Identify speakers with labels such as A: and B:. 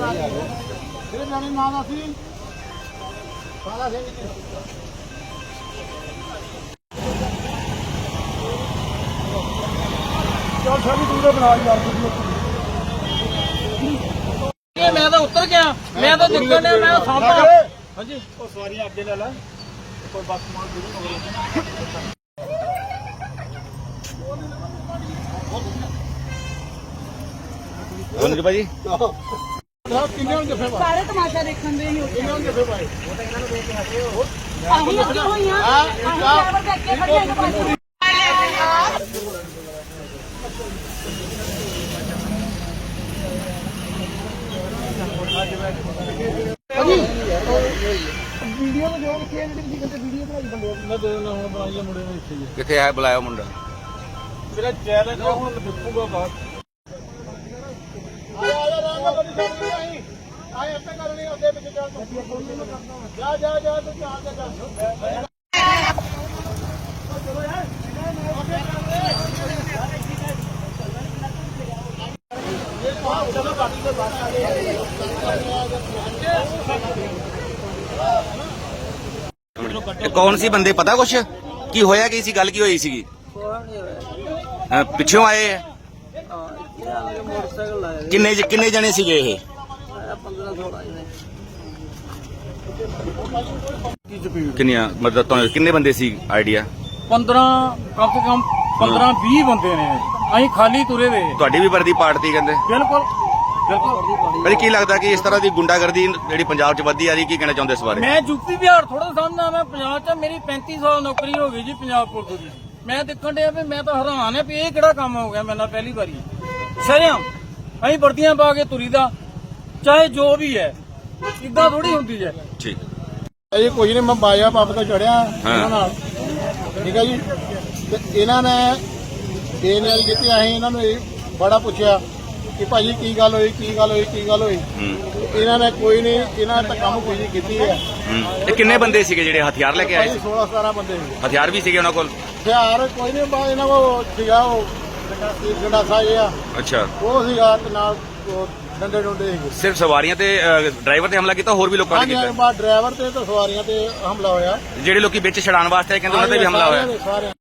A: ਜਾਣੇ ਨਾਂ ਦੱਸੀ ਸਾਰਾ ਸਿੰਘ ਚਲ ਸਾਡੀ ਤੂੰ ਤਾਂ ਬਣਾ ਯਾਰ
B: ਇਹ ਮੈਂ ਤਾਂ ਉੱਤਰ ਗਿਆ, ਮੈਂ ਤਾਂ ਨਿਕਲ ਗਿਆ, ਮੈਂ ਸਾਂਭਾ।
A: ਹਾਂਜੀ ਉਹ ਸਵਾਰੀਆਂ ਅੱਗੇ ਲੈ ਲੈ ਕੋਈ ਬੱਸ ਮਾਰ ਦੂਰ
C: ਹਾਂਜੀ ਭਾਜੀ
A: ਕਿੰਨੇ ਹੁਣ ਜੱਫੇ ਪਾ
D: ਸਾਰੇ ਤਮਾਸ਼ਾ ਦੇਖਣ ਦੇ ਹੀ
A: ਕਿੰਨੇ ਹੁਣ ਜੱਫੇ ਪਾਏ
D: ਅਸੀਂ ਅੱਗੇ ਹੋਈਆਂ ਅਸੀਂ ਡਰਾਈਵਰ ਦੇ ਅੱਗੇ ਖੜੇ ਹਾਂ ਪਾਸੇ
A: ਵੀਡੀਓ ਨੂੰ ਜੋ ਲਿਖਿਆ ਜਿਹੜੀ ਕਿਤੇ ਵੀਡੀਓ ਬਣਾਈ ਬੰਦੇ ਮੈਂ ਦੇ ਦਿੰਦਾ ਹੁਣ ਬਣਾਈਏ ਮੁੰਡੇ ਨੂੰ ਇੱਥੇ
C: ਕਿੱਥੇ ਹੈ ਬੁਲਾਇਆ ਮੁੰਡਾ
A: ਮੇਰਾ ਚੈਲੰਜ ਆ ਹੁਣ ਦੇਖੂਗਾ ਬਾਅਦ ਆ ਰਾਮ ਗੱਡੀ ਛੱਡ ਦੇ ਆਈ ਆਏ ਅੱਤੇ ਕਰਨੀ ਅੱਗੇ ਪਿੱਛੇ ਚੱਲ ਜਾ ਜਾ ਜਾ ਤੂੰ ਚਾਲ ਤੇ ਚੱਲ ਚਲੋ ਬਾਕੀ ਦੇ ਬਾਹਰ ਆ ਗਏ
C: ਇਹ ਕੌਣ ਸੀ ਬੰਦੇ ਪਤਾ ਕੁਛ ਕੀ ਹੋਇਆ ਕੀ ਸੀ ਗੱਲ ਕੀ ਹੋਈ ਸੀਗੀ ਪਿੱਛੋਂ ਆਏ ਹੈ
B: ਮੋਟਰਸਾਈਕਲ ਲਾਇਆ
C: ਕਿੰਨੇ ਜਣੇ ਸੀਗੇ ਇਹ
B: 15-16 ਜਣੇ।
C: ਕਿੰਨੀਆਂ ਮਤਲਬ ਤੁਹਾਨੂੰ ਕਿੰਨੇ ਬੰਦੇ ਸੀ ਆਈਡੀਆ
B: 15 ਕਮ ਸੇ ਕਮ 15-20 ਬੰਦੇ ਨੇ। ਅਸੀਂ ਖਾਲੀ ਤੁਰੇ ਵੇ।
C: ਤੁਹਾਡੀ ਵੀ ਵਰਦੀ ਪਾਰਟੀ ਕਹਿੰਦੇ
B: ਬਿਲਕੁਲ ਬਿਲਕੁਲ।
C: ਪਰ ਕੀ ਲੱਗਦਾ ਕਿ ਇਸ ਤਰ੍ਹਾਂ ਦੀ ਗੁੰਡਾਗਰਦੀ ਜਿਹੜੀ ਪੰਜਾਬ 'ਚ ਵੱਧਦੀ ਆ ਰਹੀ ਕੀ ਕਹਿਣਾ ਚਾਹੁੰਦੇ ਇਸ ਬਾਰੇ
B: ਮੈਂ ਯੂਪੀ ਬਿਹਾਰ ਥੋੜਾ ਸਮਝਦਾ, ਮੈਂ ਪੰਜਾਬ 'ਚ ਮੇਰੀ 35 ਸਾਲ ਨੌਕਰੀ ਹੋ ਗਈ ਜੀ ਪੰਜਾਬ ਪੁਲਿਸ ਦੀ। ਮੈਂ ਦੇਖਣ ਡਿਆ ਵੀ ਮੈਂ ਤਾਂ ਹੈਰਾਨ ਆ ਵੀ ਇਹ ਕਿਹੜਾ ਕੰਮ ਹੋ ਗਿਆ ਮੇਰੇ ਨਾਲ ਪਹਿਲੀ ਵਾਰੀ। ਸ਼ਰਿਆਮ ਅਸੀਂ ਵਰਦੀਆਂ ਪਾ ਕੇ ਤੁਰੀ ਦਾ, ਚਾਹੇ ਜੋ ਵੀ ਹੈ, ਇਦਾਂ ਥੋੜੀ ਹੁੰਦੀ ਹੈ।
C: ਠੀਕ
A: ਇਹ ਕੋਈ ਨਹੀਂ, ਮੈਂ ਬਾਇਆ ਪੰਪ ਤੋਂ ਚੜਿਆ ਇਹਨਾਂ ਨਾਲ, ਠੀਕ ਹੈ ਜੀ। ਤੇ ਇਹਨਾਂ ਨੇ ਬੇਨਿਆਰੀ ਕੀਤੀ। ਅਸੀਂ ਇਹਨਾਂ ਨੂੰ ਇਹ ਬੜਾ ਪੁੱਛਿਆ ਕਿ ਭਾਜੀ ਕੀ ਗੱਲ ਹੋਈ ਕੀ ਗੱਲ ਹੋਈ ਕੀ ਗੱਲ ਹੋਈ। ਇਹਨਾਂ ਨੇ ਕੋਈ ਨਹੀਂ, ਇਹਨਾਂ ਨੇ ਤਾਂ ਕੰਮ ਕੋਈ ਨਹੀਂ ਕੀਤੀ ਹੈ।
C: ਇਹ ਕਿੰਨੇ ਬੰਦੇ ਸੀਗੇ ਜਿਹੜੇ ਹਥਿਆਰ ਲੈ ਕੇ ਆਏ ਸੀ
A: 16-17 ਬੰਦੇ ਸੀ।
C: ਹਥਿਆਰ ਵੀ ਸੀਗੇ ਉਹਨਾਂ ਕੋਲ
A: ਹਥਿਆਰ ਕੋਈ ਨਹੀਂ, ਬਾ ਇਹਨਾਂ ਕੋਲ ਸੀਗਾ ਉਹ ਗੰਡਾਸਾ ਜਿਹਾ,
C: ਅੱਛਾ
A: ਉਹ ਸੀਗਾ ਤੇ ਨਾਲ ਡੰਡੇ ਡੁੰਡੇ ਸੀਗੇ।
C: ਸਿਰਫ ਸਵਾਰੀਆਂ ਤੇ ਡਰਾਈਵਰ ਤੇ ਹਮਲਾ ਕੀਤਾ ਹੋਰ ਵੀ ਲੋਕਾਂ ਨੇ
A: ਹਾਂਜੀ
C: ਕੀਤਾ
A: ਬਾਅਦ ਡਰਾਈਵਰ ਤੇ ਸਵਾਰੀਆਂ ਤੇ ਹਮਲਾ ਹੋਇਆ।
C: ਜਿਹੜੇ ਲੋਕੀ ਵਿੱਚ ਛਡਾਉਣ ਵਾਸਤੇ ਆਏ ਕਹਿੰਦੇ ਉਹਨਾਂ ਤੇ ਵੀ ਹਮਲਾ ਹੋਇਆ
A: ਸਾਰਿਆਂ